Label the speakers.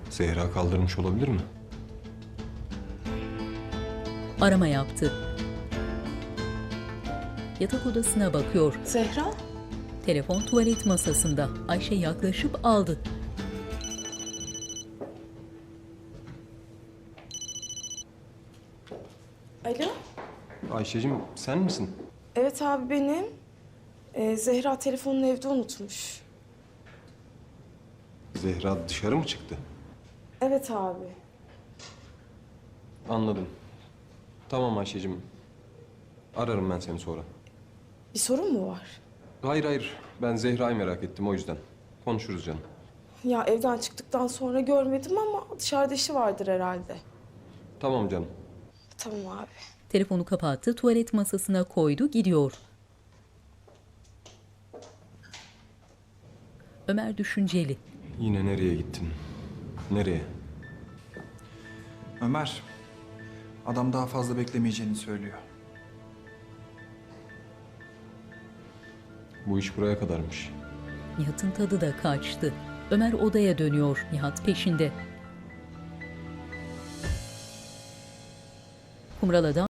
Speaker 1: Zehra kaldırmış olabilir mi?
Speaker 2: Arama yaptı. Yatak odasına bakıyor.
Speaker 3: Zehra?
Speaker 2: Telefon tuvalet masasında. Ayşe yaklaşıp aldı.
Speaker 3: Alo?
Speaker 1: Ayşe'cim sen misin?
Speaker 3: Evet abi benim. Zehra telefonunu evde unutmuş.
Speaker 1: Zehra dışarı mı çıktı?
Speaker 3: Evet abi.
Speaker 1: Anladım. Tamam Ayşe'cim. Ararım ben seni sonra.
Speaker 3: Bir sorun mu var?
Speaker 1: Hayır. Ben Zehra'yı merak ettim o yüzden. Konuşuruz canım.
Speaker 3: Ya evden çıktıktan sonra görmedim ama dışarıda işi vardır herhalde.
Speaker 1: Tamam canım.
Speaker 3: Tamam abi.
Speaker 2: Telefonu kapattı, tuvalet masasına koydu, gidiyor. Ömer düşünceli.
Speaker 1: Yine nereye gittin? Nereye?
Speaker 4: Ömer, adam daha fazla beklemeyeceğini söylüyor.
Speaker 1: Bu iş buraya kadarmış.
Speaker 2: Nihat'ın tadı da kaçtı. Ömer odaya dönüyor, Nihat peşinde. Kumral adam